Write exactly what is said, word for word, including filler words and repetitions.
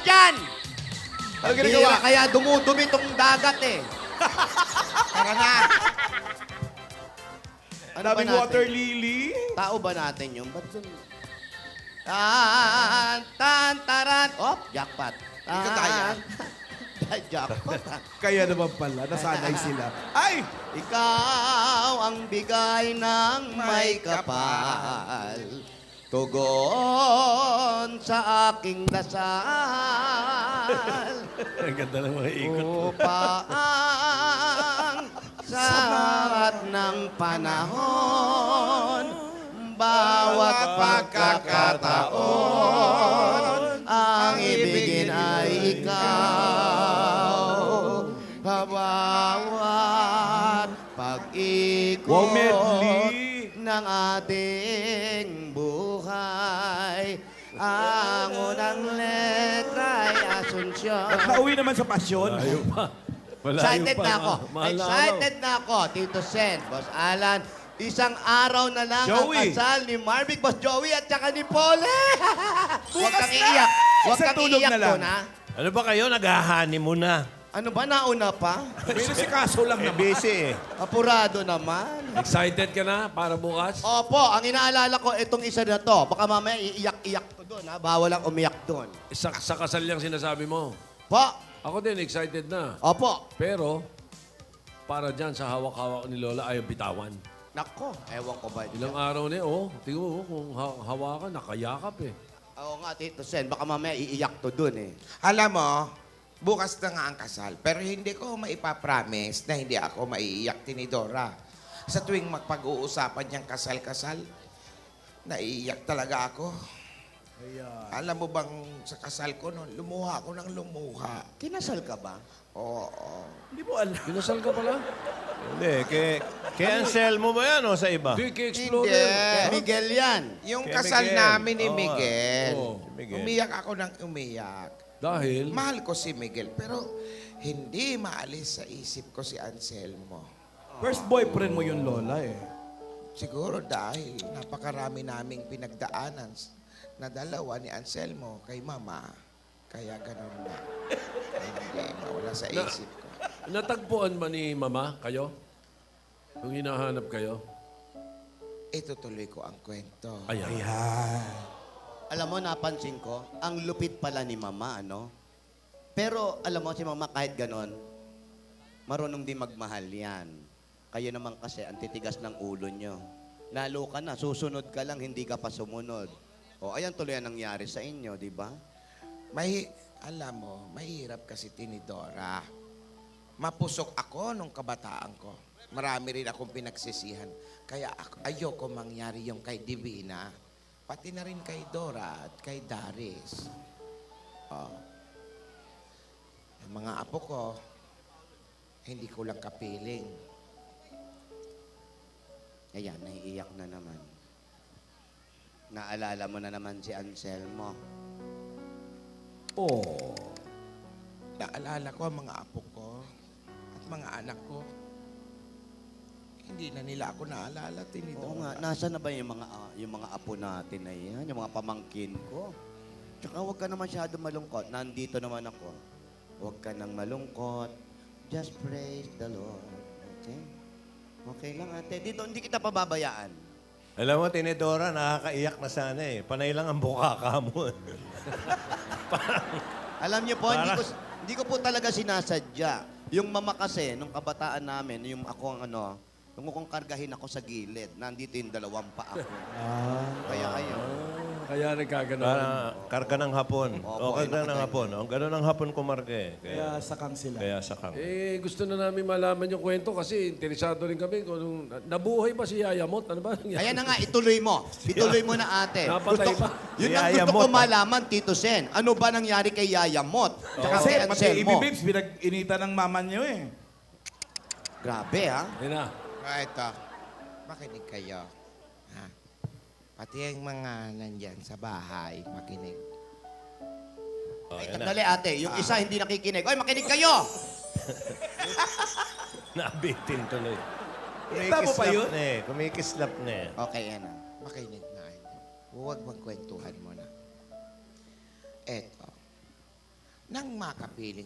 dyan! Ano Bihira, ginagawa? kaya dumudumi tong dagat eh. Tara na. Ano ba Daming natin? water lily. Tao ba natin yun? Ba't yun? Tan, tan, taran. Oh, jackpot. Tan, Ikaw kaya? jackpot. ha? Kaya naman pala, nasanay sila. Ay! Ikaw ang bigay ng may kapal. Tugon sa aking dasal. Ang ganda ng mga ikot. Upaang sa lahat ng panahon, bawat pagkakataon, ang ibigin ay ikaw. Bawat pag-ikot Wow, medley. ng ating buhay, ang unang letra ay Asunsyon. Nakauwi naman sa pasyon. Malayo pa. Malayo Excited pa. na ako. Mahal na Excited na ako, Tito Sen, Boss Alan. Isang araw na lang Joey. ang kasal ni Marvic, Boss Joey, at saka ni Pole. Huwag Bukas kang na! iiyak. Huwag Isang kang tulog iiyak na lang. doon, ha? Ano ba kayo? Naghahani mo na. Ano ba, nauna pa? Pero si kaso lang naman. Busy eh. Apurado naman. Excited ka na para bukas? Opo, ang inaalala ko, itong isa na to. Baka mamaya iiyak-iyak ko doon, ha? Bawal lang umiyak doon. Sa, sa kasal yung sinasabi mo. Po, Ako din, excited na. opo. Pero, para dyan sa hawak-hawak ni Lola, ayaw bitawan. Nako, ewan ko ba. Ilang araw na eh, oh. Tingnan mo, oh, kung ha- hawakan, nakayakap eh. Oo nga, Tito Sen, baka mamaya iiyak to doon, eh. Alam mo, bukas na nga ang kasal. Pero hindi ko maipapromise na hindi ako maiiyak tinidora. Sa tuwing magpag-uusapan niyang kasal-kasal, naiiyak talaga ako. Alam mo bang sa kasal ko noon, lumuha ako ng lumuha. Kinasal ka ba? Oo. Hindi mo alam. Kinasal ka pala? Hindi, kay, kay Anselmo ba yan o sa iba? Hindi, kay Hindi. Explorer. Miguel yan. Yung Kay kasal Miguel. namin ni Oo. Miguel, Oo, Miguel. umiyak ako ng umiyak. Dahil, Mahal ko si Miguel, pero hindi maalis sa isip ko si Anselmo. First boyfriend mo yun, Lola eh. Siguro dahil napakarami naming pinagdaanan s- na dalawa ni Anselmo kay Mama. Kaya ganun na. Hindi mawala sa Na- isip ko. natagpuan ba ni Mama kayo? Nung hinahanap kayo? Itutuloy ko ang kwento. Ayan. Ayan. Alam mo, napansin ko, ang lupit pala ni Mama, ano? Pero, alam mo, si Mama kahit ganon, marunong din magmahal yan. Kayo naman kasi, ang titigas ng ulo nyo. Lalo ka na, susunod ka lang, hindi ka pa sumunod. O, ayan tuloy ang nangyari sa inyo, di ba? May, alam mo, mahirap kasi tinidora. Mapusok ako nung kabataan ko. Marami rin akong pinagsisihan. Kaya ako, ayoko mangyari yung kay Divina. Pati na rin kay Dora at kay Daris. Oh. Ang mga apo ko, hindi ko lang kapiling. Ayan, naiiyak na naman. Naalala mo na naman si Anselmo. Oh. Naalala ko ang mga apo ko at mga anak ko. Hindi na nila ako naalala, tinidora. Oo nga, nasa na ba yung mga, ah, yung mga apo natin na yan, yung mga pamangkin ko? Tsaka huwag ka na masyado malungkot. Nandito naman ako. Huwag ka nang malungkot. Just praise the Lord. Okay? Okay lang, ate. Dito, hindi kita pababayaan. Alam mo, Tinidora, nakakaiyak na sana eh. Panay lang ang bukaka mo. Alam niyo po, hindi ko, hindi ko po talaga sinasadya. Yung mama kasi, nung kabataan namin, yung ako ang ano, nung kong kargahin ako sa gilid, nandito yung dalawang paa ko. Kaya ayun. Kaya nagkaganon. Para karga ng hapon. Opo, O, karga ayun, ng hapon. Ang gano'n ng hapon kumarga eh. Kaya Kaya, sakang sila. kaya sakang. Eh, gusto na namin malaman yung kwento kasi interesado rin kami kung nung, nabuhay ba si Yayamot? Ano ba nangyari? Ayan na nga, ituloy mo. Ituloy mo na ate. Napatay Gusto, pa. yun ang Yaya gusto Mot, ko ah. malaman, Tito Sen. Ano ba nangyari kay Yaya Mot? Tsaka Kasi kay pati Anselmo. Ibi Babes, pinag-inita ng mama niyo eh. Grabe, ha? Ayun na. Ah, ito. Makinig kayo. Ha? Pati yung mga nandyan sa bahay, makinig. Oh, Ay, yan na. sandali ate. Yung isa hindi nakikinig. Oy, makinig kayo! Nabitin tuloy. Kita mo pa yun? na eh. Kumikislap na eh. Okay, yan na. Makinig na. Huwag magkwentuhan mo na. Eto. Nang makapiling